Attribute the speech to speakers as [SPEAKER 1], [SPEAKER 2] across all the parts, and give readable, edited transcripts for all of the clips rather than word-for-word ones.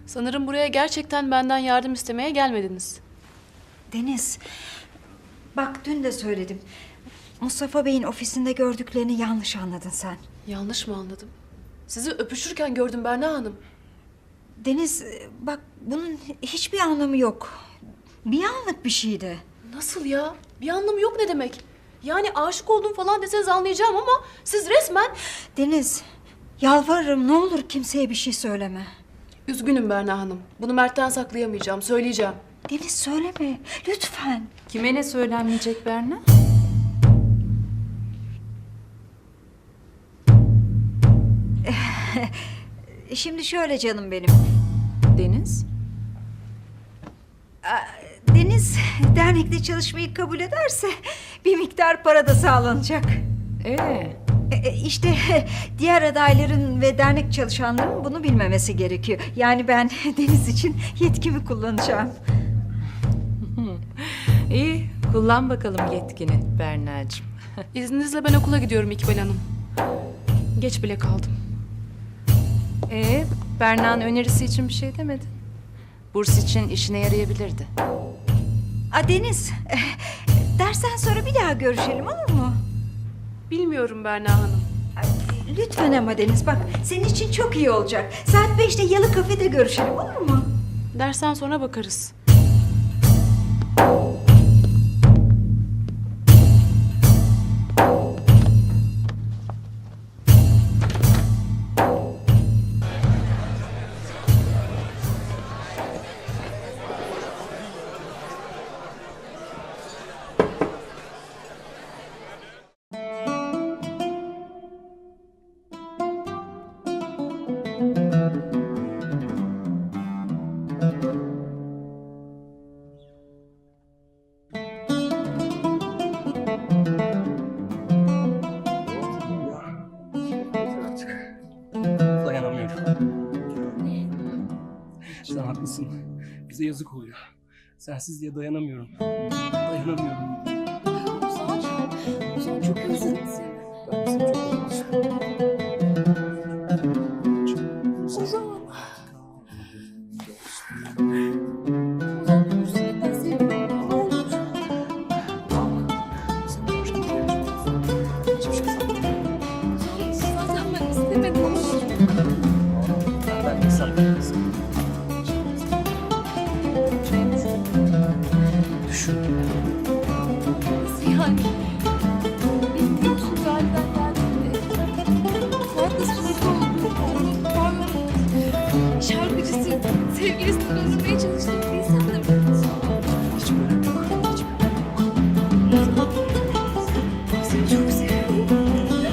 [SPEAKER 1] Sanırım buraya gerçekten benden yardım istemeye gelmediniz.
[SPEAKER 2] Deniz, bak dün de söyledim. Mustafa Bey'in ofisinde gördüklerini yanlış anladın sen.
[SPEAKER 1] Yanlış mı anladım? Sizi öpüşürken gördüm Berna Hanım.
[SPEAKER 2] Deniz, bak bunun hiçbir anlamı yok. Bir anlık bir şeydi.
[SPEAKER 1] Nasıl ya? Bir anlamı yok ne demek? Yani aşık oldum falan deseniz anlayacağım ama siz resmen...
[SPEAKER 2] Deniz, yalvarırım ne olur kimseye bir şey söyleme.
[SPEAKER 1] Üzgünüm Berna Hanım. Bunu Mert'ten saklayamayacağım, söyleyeceğim.
[SPEAKER 2] Deniz söyleme, lütfen.
[SPEAKER 3] Kime ne söylenmeyecek Berna?
[SPEAKER 2] Şimdi şöyle canım benim.
[SPEAKER 3] Deniz?
[SPEAKER 2] Deniz dernekte çalışmayı kabul ederse bir miktar para da sağlanacak. İşte diğer adayların ve dernek çalışanların bunu bilmemesi gerekiyor. Yani ben Deniz için yetkimi kullanacağım.
[SPEAKER 3] İyi, kullan bakalım yetkini Berna'cığım.
[SPEAKER 1] İzninizle ben okula gidiyorum İkbal Hanım. Geç bile kaldım.
[SPEAKER 3] Berna'nın önerisi için bir şey demedin. Burs için işine yarayabilirdi.
[SPEAKER 2] Deniz, dersten sonra bir daha görüşelim olur mu?
[SPEAKER 1] Bilmiyorum Berna Hanım.
[SPEAKER 2] Lütfen ama Deniz bak senin için çok iyi olacak. Saat 5'te Yalı Kafede görüşelim olur mu?
[SPEAKER 1] Dersten sonra bakarız.
[SPEAKER 4] Dayanamıyorum. Sen haklısın. Bize yazık oluyor. Sensiz diye dayanamıyorum. Dayanamıyorum.
[SPEAKER 5] Ozan çok özledim seni.
[SPEAKER 4] Ben seni çok özledim.
[SPEAKER 5] Ozan. Ozan dur seni seviyorum. Ne olur.
[SPEAKER 4] Seni hoş geldin. Hiçbir şey sanmıyorum.
[SPEAKER 5] Ozan zaten ben istemedim ama.
[SPEAKER 4] Ben de sanmıyorum. Düşün.
[SPEAKER 5] Nasıl yani? Benim biliyorsunuz halden geldiğimde. Fuat'la sürekli olduğum pardon. Şarkıcısı, sevgilisini öldürmeye çalıştığım bir insandım.
[SPEAKER 4] Hiç böyle yok. Hiç böyle yok.
[SPEAKER 5] Seni çok seviyorum.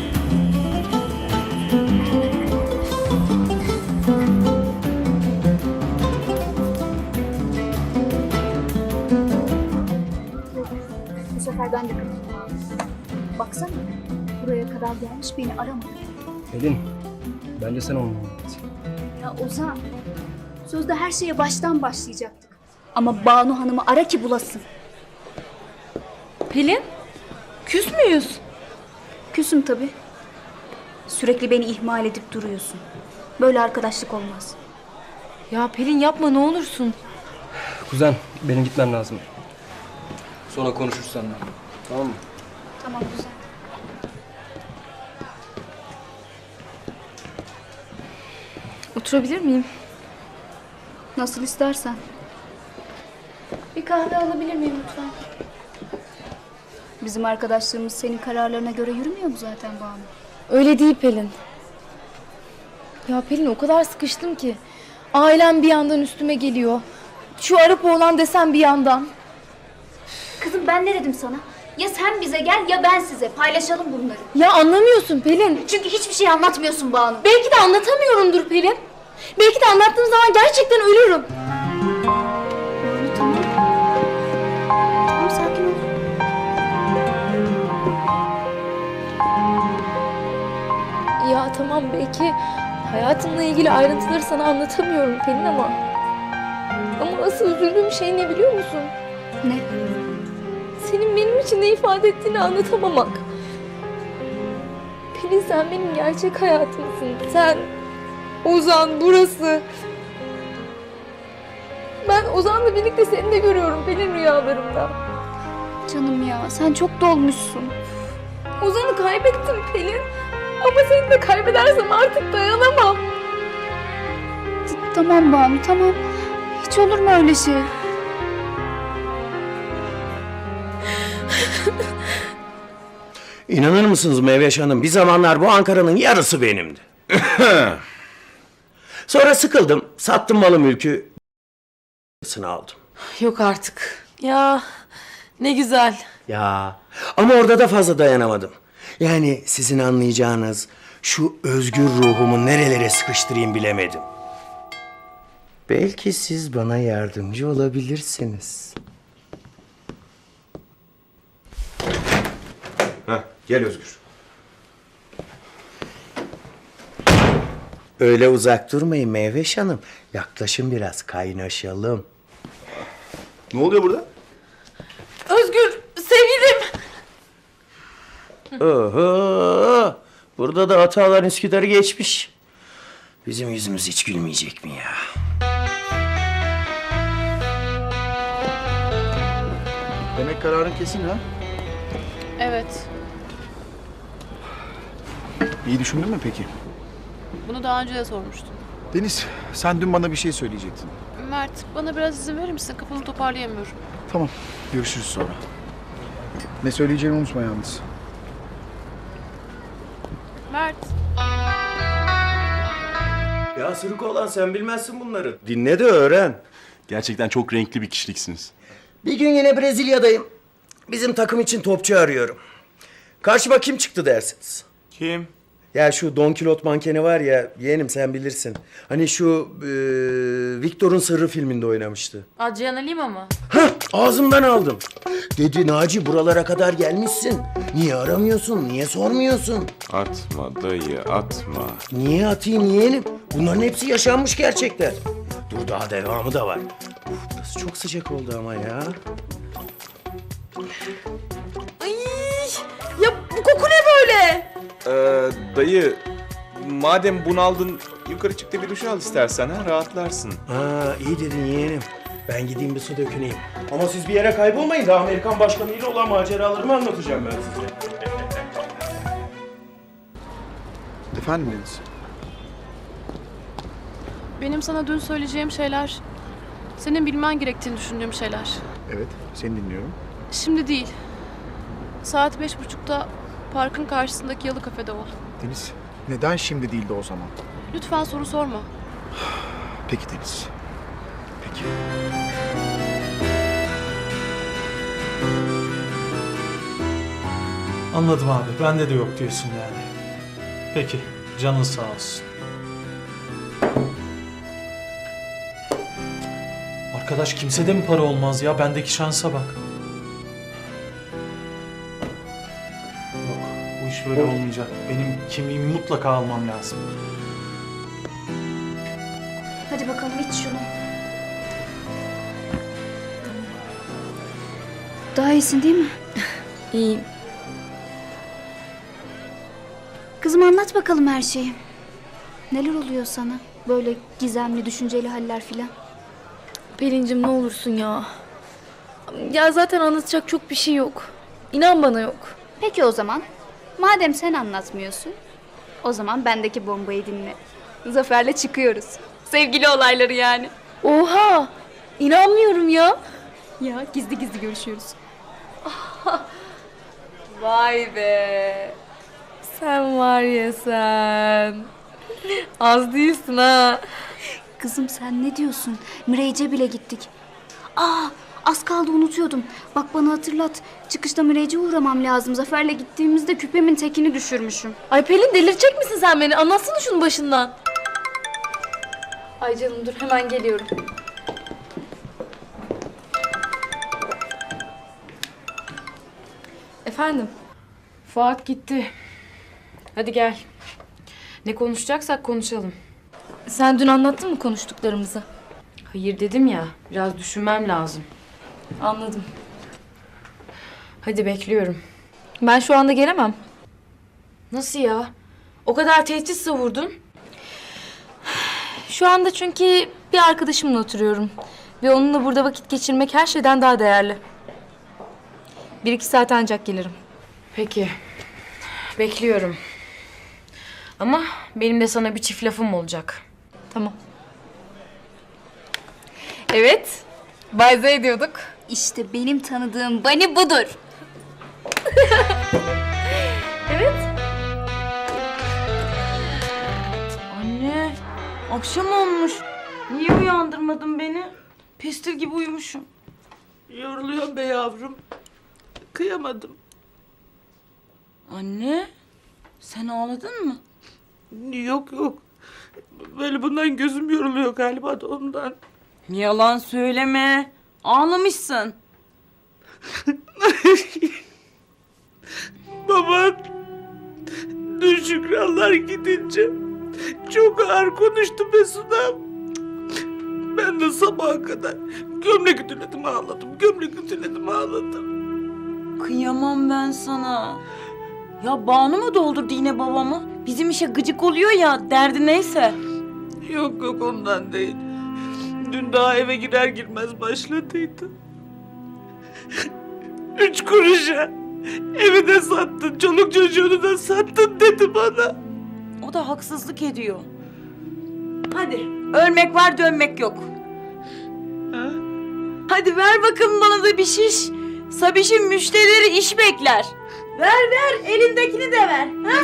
[SPEAKER 6] Bu sefer ben de katılmam. Baksana, buraya kadar gelmiş beni aramadı.
[SPEAKER 4] Pelin, bence sen olmalısın.
[SPEAKER 6] Ya Ozan, sözde her şeye baştan başlayacaktık. Ama Banu Hanım'ı ara ki bulasın.
[SPEAKER 5] Pelin, küs müyüz?
[SPEAKER 6] Küsüm tabii. Sürekli beni ihmal edip duruyorsun. Böyle arkadaşlık olmaz.
[SPEAKER 5] Ya Pelin yapma ne olursun.
[SPEAKER 4] Kuzen, benim gitmem lazım. Sonra konuşuruz seninle. Tamam mı?
[SPEAKER 6] Tamam güzel.
[SPEAKER 5] Oturabilir miyim?
[SPEAKER 6] Nasıl istersen.
[SPEAKER 5] Bir kahve alabilir miyim lütfen?
[SPEAKER 6] Bizim arkadaşlığımız senin kararlarına göre yürümüyor mu zaten Banu?
[SPEAKER 5] Öyle değil Pelin. Ya Pelin o kadar sıkıştım ki. Ailem bir yandan üstüme geliyor. Şu Arap oğlan desem bir yandan.
[SPEAKER 6] Kızım ben ne dedim sana? Ya sen bize gel ya ben size. Paylaşalım bunları.
[SPEAKER 5] Ya anlamıyorsun Pelin.
[SPEAKER 6] Çünkü hiçbir şey anlatmıyorsun Banu.
[SPEAKER 5] Belki de anlatamıyorumdur Pelin. Belki de anlattığım zaman gerçekten ölürüm.
[SPEAKER 6] Tamam. Tamam sakin ol.
[SPEAKER 5] Ya tamam belki hayatımla ilgili ayrıntıları sana anlatamıyorum Pelin ama asıl üzüldüğüm şey ne biliyor musun?
[SPEAKER 6] Ne?
[SPEAKER 5] Senin benim için ne ifade ettiğini anlatamamak. Pelin sen benim gerçek hayatımsın. Sen, Ozan, burası. Ben Ozan'la birlikte seni de görüyorum Pelin rüyalarımda.
[SPEAKER 6] Canım ya sen çok dolmuşsun.
[SPEAKER 5] Ozan'ı kaybettim Pelin. Ama seni de kaybedersem artık dayanamam.
[SPEAKER 6] Tamam Banu tamam. Hiç olur mu öyle şey?
[SPEAKER 7] İnanır mısınız Meyveş Hanım? Bir zamanlar bu Ankara'nın yarısı benimdi. Sonra sıkıldım. Sattım malı mülkü. Aldım.
[SPEAKER 3] Yok artık. Ya ne güzel.
[SPEAKER 7] Ya ama orada da fazla dayanamadım. Yani sizin anlayacağınız şu özgür ruhumu nerelere sıkıştırayım bilemedim. Belki siz bana yardımcı olabilirsiniz. Hah, gel Özgür. Öyle uzak durmayın Meyveş Hanım. Yaklaşın biraz, kaynaşalım.
[SPEAKER 8] Ne oluyor burada?
[SPEAKER 3] Özgür, sevgilim.
[SPEAKER 7] Oho! Burada da Atalar Üsküdar'ı geçmiş. Bizim yüzümüz hiç gülmeyecek mi ya?
[SPEAKER 8] Demek kararın kesin ha?
[SPEAKER 1] Evet.
[SPEAKER 8] İyi düşündün mü peki?
[SPEAKER 1] Bunu daha önce de sormuştum.
[SPEAKER 8] Deniz, sen dün bana bir şey söyleyecektin.
[SPEAKER 1] Mert, bana biraz izin verir misin? Kafamı toparlayamıyorum.
[SPEAKER 8] Tamam, görüşürüz sonra. Ne söyleyeceğini unutma yalnız.
[SPEAKER 1] Mert.
[SPEAKER 7] Ya sırık olan sen bilmezsin bunları. Dinle de öğren.
[SPEAKER 8] Gerçekten çok renkli bir kişiliksiniz.
[SPEAKER 7] Bir gün yine Brezilya'dayım. Bizim takım için topçu arıyorum. Karşıma kim çıktı dersiniz?
[SPEAKER 8] Kim?
[SPEAKER 7] Ya şu Don Kilot mankeni var ya, yeğenim sen bilirsin. Hani şu Victor'un Sırrı filminde oynamıştı.
[SPEAKER 3] Adriana Lima mı?
[SPEAKER 7] Hah, ağzımdan aldım. Dedi Naci buralara kadar gelmişsin. Niye aramıyorsun, niye sormuyorsun?
[SPEAKER 9] Atma dayı, atma.
[SPEAKER 7] Niye atayım yeğenim? Bunların hepsi yaşanmış gerçekler. Dur daha devamı da var. Uf, burası çok sıcak oldu ama ya.
[SPEAKER 3] Ay, ya bu koku ne böyle?
[SPEAKER 9] Dayı, madem bunaldın, yukarı çık da bir duş al istersen ha, rahatlarsın.
[SPEAKER 7] Ha, iyi dedin yeğenim. Ben gideyim bir su döküneyim. Ama siz bir yere kaybolmayın da Amerikan başkanıyla olan maceralarımı anlatacağım ben size.
[SPEAKER 8] Efendim Deniz?
[SPEAKER 1] Benim sana dün söyleyeceğim şeyler, senin bilmen gerektiğini düşündüğüm şeyler.
[SPEAKER 8] Evet, seni dinliyorum.
[SPEAKER 1] Şimdi değil. Saat 5.30'da parkın karşısındaki Yalı Kafede ol.
[SPEAKER 8] Deniz, neden şimdi değildi o zaman?
[SPEAKER 1] Lütfen soru sorma.
[SPEAKER 8] Peki Deniz. Peki.
[SPEAKER 10] Anladım abi. Bende de yok diyorsun yani. Peki. Canın sağ olsun. Arkadaş kimsede mi para olmaz ya? Bendeki şansa bak. Yok. Bu iş böyle olmayacak. Benim kimliğimi mutlaka almam lazım.
[SPEAKER 6] Hadi bakalım iç şunu. Daha iyisin değil mi?
[SPEAKER 5] İyiyim.
[SPEAKER 6] Kızım anlat bakalım her şeyi. Neler oluyor sana? Böyle gizemli, düşünceli haller filan.
[SPEAKER 5] Pelin'cim ne olursun ya. Ya zaten anlatacak çok bir şey yok. İnan bana yok.
[SPEAKER 6] Peki o zaman. Madem sen anlatmıyorsun, o zaman bendeki bombayı dinle. Zafer'le çıkıyoruz. Sevgili olayları yani.
[SPEAKER 5] Oha! İnanmıyorum ya.
[SPEAKER 6] Ya gizli gizli görüşüyoruz.
[SPEAKER 5] Vay be. Sen var ya sen. Az değilsin ha.
[SPEAKER 6] Kızım sen ne diyorsun? Mireyce bile gittik. Aa, az kaldı unutuyordum. Bak bana hatırlat. Çıkışta Mireyce uğramam lazım. Zafer'le gittiğimizde küpemin tekini düşürmüşüm.
[SPEAKER 5] Ay Pelin delirecek misin sen beni? Anlatsana şunu başından. Ay canım dur hemen geliyorum. Efendim?
[SPEAKER 3] Fuat gitti. Hadi gel. Ne konuşacaksak konuşalım.
[SPEAKER 5] Sen dün anlattın mı konuştuklarımızı?
[SPEAKER 3] Hayır dedim ya, biraz düşünmem lazım.
[SPEAKER 5] Anladım.
[SPEAKER 3] Hadi bekliyorum.
[SPEAKER 5] Ben şu anda gelemem.
[SPEAKER 3] Nasıl ya? O kadar tehdit savurdun.
[SPEAKER 5] Şu anda çünkü bir arkadaşımla oturuyorum. Ve onunla burada vakit geçirmek her şeyden daha değerli. 1-2 saat ancak gelirim.
[SPEAKER 11] Peki. Bekliyorum. Ama benim de sana bir çift lafım olacak.
[SPEAKER 5] Tamam. Evet. Bayze ediyorduk.
[SPEAKER 6] İşte benim tanıdığım Bani budur.
[SPEAKER 11] Anne, akşam olmuş. Niye uyandırmadın beni? Pestil gibi uyumuşum.
[SPEAKER 12] Yoruluyorum be yavrum. Kıyamadım.
[SPEAKER 11] Anne, sen ağladın mı?
[SPEAKER 12] Yok yok. Böyle bundan gözüm yoruluyor galiba da ondan.
[SPEAKER 11] Yalan söyleme. Ağlamışsın.
[SPEAKER 12] Baban dün Şükranlar gidince çok ağır konuştu Mesut'a. Ben de sabaha kadar gömlek ütüledim ağladım. Gömlek ütüledim ağladım.
[SPEAKER 11] Kıyamam ben sana. Ya Banu mu doldurdu yine babamı? Bizim işe gıcık oluyor ya, derdi neyse.
[SPEAKER 12] Yok yok ondan değil. Dün daha eve girer girmez başladıydı. 3 kuruşa evi de sattın, çoluk çocuğunu da sattın dedi bana.
[SPEAKER 11] O da haksızlık ediyor. Hadi, ölmek var dönmek yok.
[SPEAKER 12] Ha?
[SPEAKER 11] Hadi ver bakalım bana da bir şiş. Sabiş'in müşterileri iş bekler. Ver, elindekini de ver. Ha?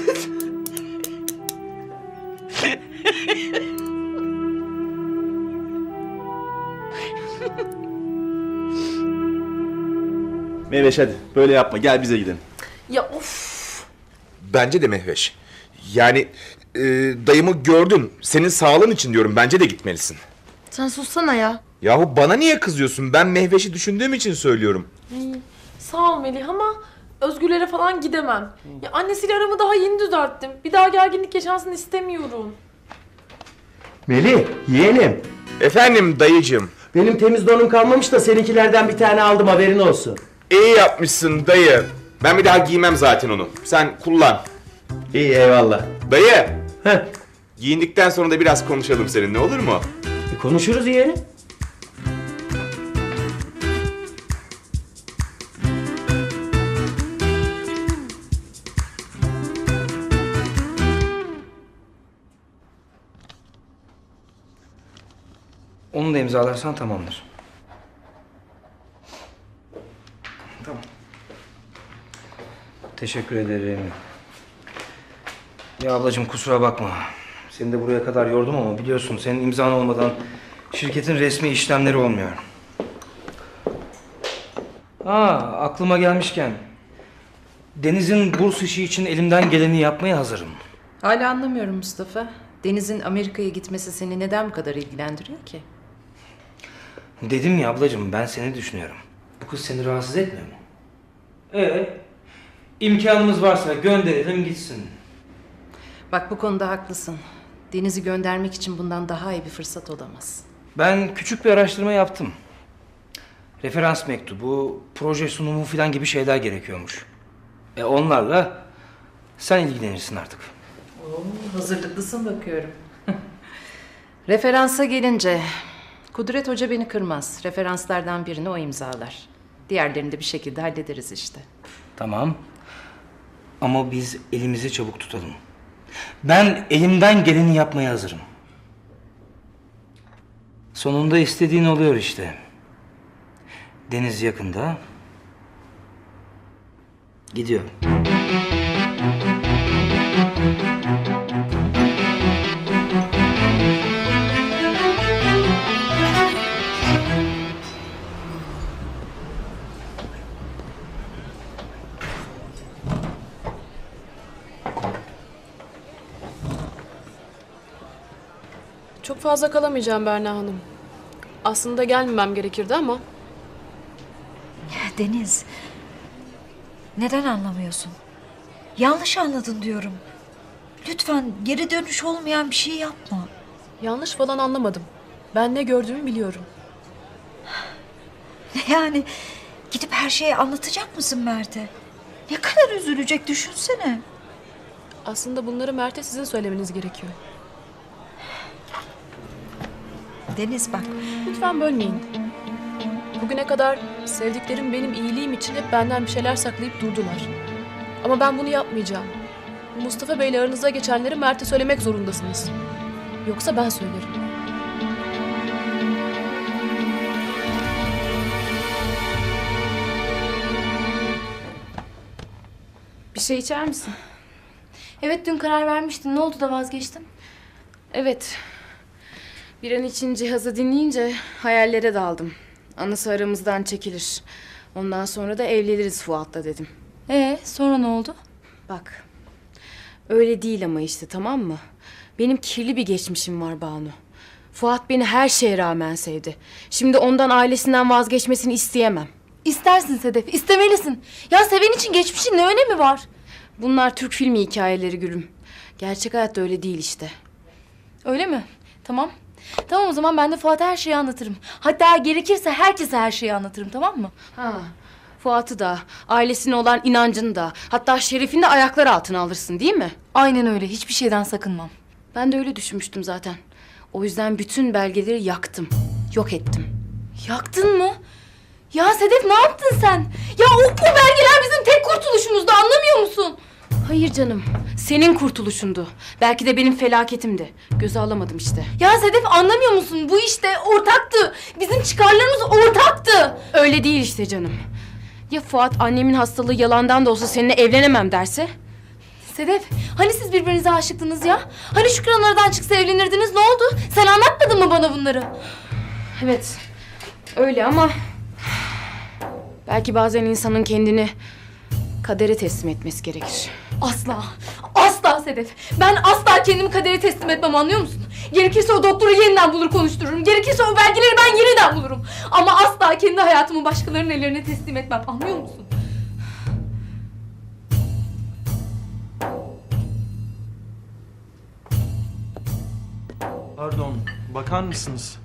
[SPEAKER 9] Mehveş hadi böyle yapma, gel bize gidelim.
[SPEAKER 1] Ya of.
[SPEAKER 9] Bence de Mehveş. Yani dayımı gördün. Senin sağlığın için diyorum, bence de gitmelisin.
[SPEAKER 1] Sen sussana ya.
[SPEAKER 9] Yahu bana niye kızıyorsun? Ben Mehveş'i düşündüğüm için söylüyorum.
[SPEAKER 1] Sağ ol Melih ama Özgürlere falan gidemem. Ya annesiyle aramı daha yeni düzelttim. Bir daha gerginlik yaşansın istemiyorum.
[SPEAKER 7] Melih, yeğenim.
[SPEAKER 9] Efendim dayıcığım.
[SPEAKER 7] Benim temiz donum kalmamış da seninkilerden bir tane aldım, haberin olsun.
[SPEAKER 9] İyi yapmışsın dayı. Ben bir daha giymem zaten onu. Sen kullan.
[SPEAKER 7] İyi, eyvallah.
[SPEAKER 9] Dayı.
[SPEAKER 7] Heh,
[SPEAKER 9] Giyindikten sonra da biraz konuşalım seninle, olur mu?
[SPEAKER 7] konuşuruz yeğenim.
[SPEAKER 13] Onu da imzalarsan tamamdır. Tamam. Teşekkür ederim. Ya ablacığım kusura bakma. Seni de buraya kadar yordum ama biliyorsun senin imzan olmadan şirketin resmi işlemleri olmuyor. Aklıma gelmişken Deniz'in burs işi için elimden geleni yapmaya hazırım.
[SPEAKER 3] Hala anlamıyorum Mustafa. Deniz'in Amerika'ya gitmesi seni neden bu kadar ilgilendiriyor ki?
[SPEAKER 13] Dedim ya ablacığım, ben seni düşünüyorum. Bu kız seni rahatsız etmiyor mu? İmkanımız varsa gönderelim gitsin.
[SPEAKER 3] Bak bu konuda haklısın. Deniz'i göndermek için bundan daha iyi bir fırsat olamaz.
[SPEAKER 13] Ben küçük bir araştırma yaptım. Referans mektubu, proje sunumu falan gibi şeyler gerekiyormuş. Onlarla sen ilgilenirsin artık.
[SPEAKER 3] Hazırlıklısın bakıyorum. Referansa gelince Kudret Hoca beni kırmaz. Referanslardan birini o imzalar. Diğerlerini de bir şekilde hallederiz işte.
[SPEAKER 13] Tamam. Ama biz elimizi çabuk tutalım. Ben elimden geleni yapmaya hazırım. Sonunda istediğin oluyor işte. Deniz yakında. Gidiyor.
[SPEAKER 1] Çok fazla kalamayacağım Berna Hanım. Aslında gelmemem gerekirdi ama.
[SPEAKER 2] Deniz, neden anlamıyorsun? Yanlış anladın diyorum. Lütfen geri dönüş olmayan bir şey yapma.
[SPEAKER 1] Yanlış falan anlamadım. Ben ne gördüğümü biliyorum.
[SPEAKER 2] Yani gidip her şeyi anlatacak mısın Mert'e? Ne kadar üzülecek düşünsene.
[SPEAKER 1] Aslında bunları Mert'e sizin söylemeniz gerekiyor.
[SPEAKER 2] Deniz bak.
[SPEAKER 1] Lütfen bölmeyin. Bugüne kadar sevdiklerim benim iyiliğim için hep benden bir şeyler saklayıp durdular. Ama ben bunu yapmayacağım. Mustafa Bey'le aranızda geçenleri Mert'e söylemek zorundasınız. Yoksa ben söylerim.
[SPEAKER 3] Bir şey içer misin?
[SPEAKER 5] Evet, dün karar vermiştin. Ne oldu da vazgeçtin?
[SPEAKER 3] Evet. Bir an için cihazı dinleyince hayallere daldım. Anası aramızdan çekilir. Ondan sonra da evleniriz Fuat'la dedim.
[SPEAKER 5] Sonra ne oldu?
[SPEAKER 3] Bak. Öyle değil ama işte, tamam mı? Benim kirli bir geçmişim var Banu. Fuat beni her şeye rağmen sevdi. Şimdi ondan, ailesinden vazgeçmesini isteyemem.
[SPEAKER 5] İstersin Sedef, istemelisin. Ya seven için geçmişin ne önemi var?
[SPEAKER 3] Bunlar Türk filmi hikayeleri Gülüm. Gerçek hayatta öyle değil işte.
[SPEAKER 5] Öyle mi? Tamam. Tamam, o zaman ben de Fuat'a her şeyi anlatırım. Hatta gerekirse herkese her şeyi anlatırım, tamam mı?
[SPEAKER 3] Ha, Fuat'ı da, ailesine olan inancını da, hatta şerefini de ayaklar altına alırsın değil mi?
[SPEAKER 5] Aynen öyle, hiçbir şeyden sakınmam.
[SPEAKER 3] Ben de öyle düşünmüştüm zaten. O yüzden bütün belgeleri yaktım, yok ettim.
[SPEAKER 5] Yaktın mı? Ya Sedef, ne yaptın sen? Ya o belgeler bizim tek kurtuluşumuzdu, anlamıyor musun?
[SPEAKER 3] Hayır canım, senin kurtuluşundu. Belki de benim felaketimdi. Göze alamadım işte.
[SPEAKER 5] Ya Sedef, anlamıyor musun? Bu işte ortaktı. Bizim çıkarlarımız ortaktı.
[SPEAKER 3] Öyle değil işte canım. Ya Fuat annemin hastalığı yalandan da olsa seninle evlenemem derse?
[SPEAKER 5] Sedef, hani siz birbirinize aşıktınız ya? Hani Şükran aradan çıksa evlenirdiniz, ne oldu? Sen anlatmadın mı bana bunları?
[SPEAKER 3] Evet, öyle ama... Belki bazen insanın kendini kadere teslim etmesi gerekir.
[SPEAKER 5] Asla, asla Sedef. Ben asla kendimi kadere teslim etmem, anlıyor musun? Gerekirse o doktoru yeniden bulur konuştururum. Gerekirse o belgeleri ben yeniden bulurum. Ama asla kendi hayatımı başkalarının ellerine teslim etmem, anlıyor musun?
[SPEAKER 10] Pardon, bakar mısınız?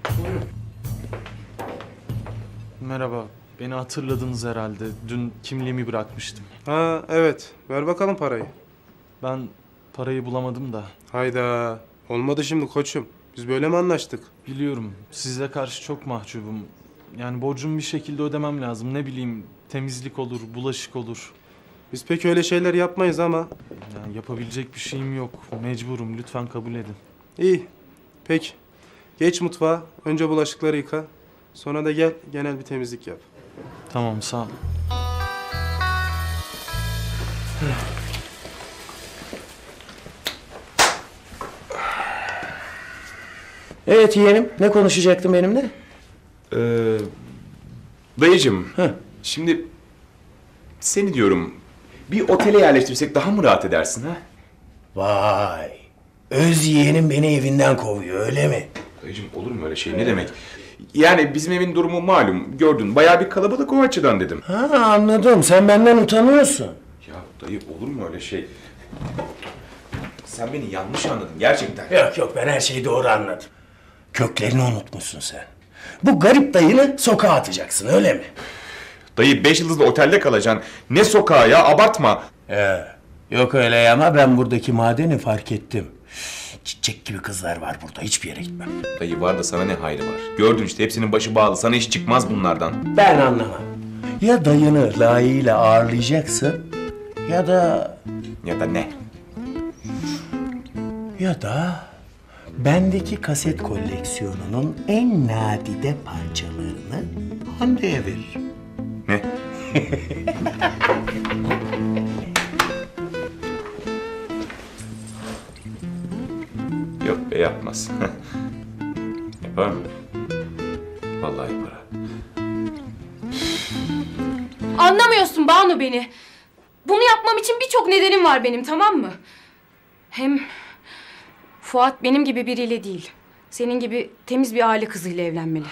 [SPEAKER 10] Merhaba, beni hatırladınız herhalde. Dün kimliğimi bırakmıştım.
[SPEAKER 14] Ha evet, ver bakalım parayı.
[SPEAKER 10] Ben parayı bulamadım da.
[SPEAKER 14] Hayda, olmadı şimdi koçum. Biz böyle mi anlaştık?
[SPEAKER 10] Biliyorum, size karşı çok mahcubum. Yani borcumu bir şekilde ödemem lazım. Ne bileyim, temizlik olur, bulaşık olur.
[SPEAKER 14] Biz pek öyle şeyler yapmayız ama.
[SPEAKER 10] Yani yapabilecek bir şeyim yok. Mecburum, lütfen kabul edin.
[SPEAKER 14] İyi, peki. Geç mutfağa, önce bulaşıkları yıka. Sonra da gel, genel bir temizlik yap.
[SPEAKER 10] Tamam, sağ ol.
[SPEAKER 7] Evet yeğenim, ne konuşacaktın benimle?
[SPEAKER 9] Dayıcığım, şimdi seni diyorum bir otele yerleştirsek daha mı rahat edersin ha?
[SPEAKER 7] Vay, öz yeğenim beni evinden kovuyor öyle mi?
[SPEAKER 9] Dayıcığım olur mu öyle şey, ne demek? Yani bizim evin durumu malum, gördün bayağı bir kalabalık, o açıdan dedim.
[SPEAKER 7] Ha anladım, sen benden utanıyorsun.
[SPEAKER 9] Ya dayı olur mu öyle şey? Sen beni yanlış anladın gerçekten.
[SPEAKER 7] Yok ben her şeyi doğru anladım. Köklerini unutmuşsun sen. Bu garip dayını sokağa atacaksın öyle mi?
[SPEAKER 9] Dayı 5 yıldızlı otelde kalacaksın. Ne sokağa ya, abartma.
[SPEAKER 7] Yok öyle ama ben buradaki madeni fark ettim. Çiçek gibi kızlar var burada, hiçbir yere gitmem.
[SPEAKER 9] Dayı var da sana ne hayrı var? Gördün işte, hepsinin başı bağlı, sana iş çıkmaz bunlardan.
[SPEAKER 7] Ben anlamam. Ya dayını layığıyla ağırlayacaksın ya da...
[SPEAKER 9] Ya da ne?
[SPEAKER 7] Ya da bendeki kaset koleksiyonunun en nadide parçalarını Hande'ye veririm.
[SPEAKER 9] Ne? Yok be, yapmaz. Yapar mı? Vallahi yapar.
[SPEAKER 3] Anlamıyorsun Banu beni. Bunu yapmam için birçok nedenim var benim, tamam mı? Hem Fuat benim gibi biriyle değil, senin gibi temiz bir aile kızıyla evlenmeli.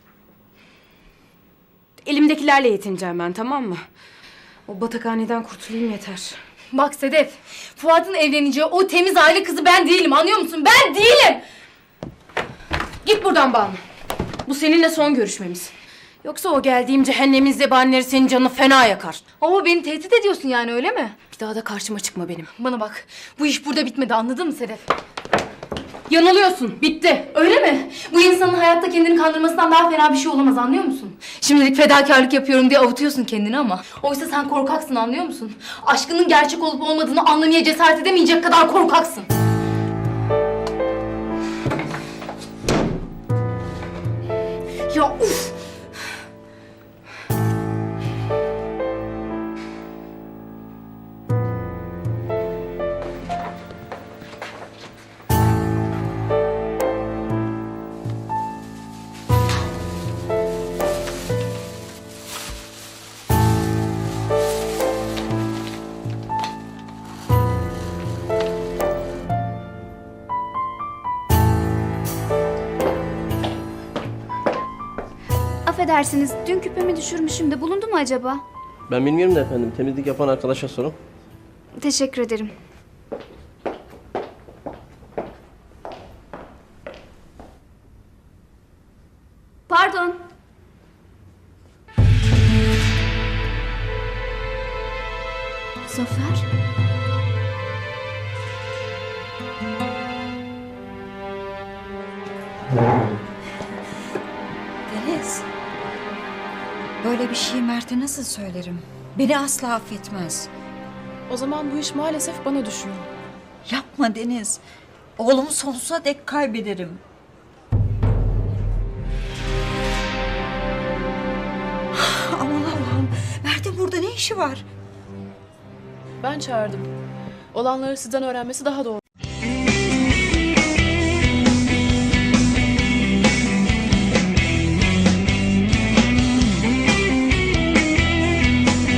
[SPEAKER 3] Elimdekilerle yetineceğim ben, tamam mı? O batakhaneden kurtulayım yeter.
[SPEAKER 5] Bak Sedef, Fuat'ın evleneceği o temiz aile kızı ben değilim, anlıyor musun? Ben değilim!
[SPEAKER 3] Git buradan Banu. Bu seninle son görüşmemiz. Yoksa o geldiğim cehennemin zebanileri senin canını fena yakar.
[SPEAKER 5] Ama beni tehdit ediyorsun yani, öyle mi?
[SPEAKER 3] Bir daha da karşıma çıkma benim.
[SPEAKER 5] Bana bak, bu iş burada bitmedi, anladın mı Sedef?
[SPEAKER 3] Yanılıyorsun. Bitti.
[SPEAKER 5] Öyle mi? Bu insanın hayatta kendini kandırmasından daha fena bir şey olamaz, anlıyor musun? Şimdilik fedakarlık yapıyorum diye avutuyorsun kendini ama oysa sen korkaksın, anlıyor musun? Aşkının gerçek olup olmadığını anlamaya cesaret edemeyecek kadar korkaksın. Ya uf!
[SPEAKER 6] Affedersiniz, dün küpemi düşürmüşüm de bulundu mu acaba?
[SPEAKER 15] Ben bilmiyorum da efendim. Temizlik yapan arkadaşa sorun.
[SPEAKER 6] Teşekkür ederim. Pardon. Zafer?
[SPEAKER 2] Deniz. Böyle bir şeyi Mert'e nasıl söylerim? Beni asla affetmez.
[SPEAKER 1] O zaman bu iş maalesef bana düşüyor.
[SPEAKER 2] Yapma Deniz. Oğlumu sonsuza dek kaybederim. Aman Allah'ım. Mert'in burada ne işi var?
[SPEAKER 1] Ben çağırdım. Olanları sizden öğrenmesi daha doğru.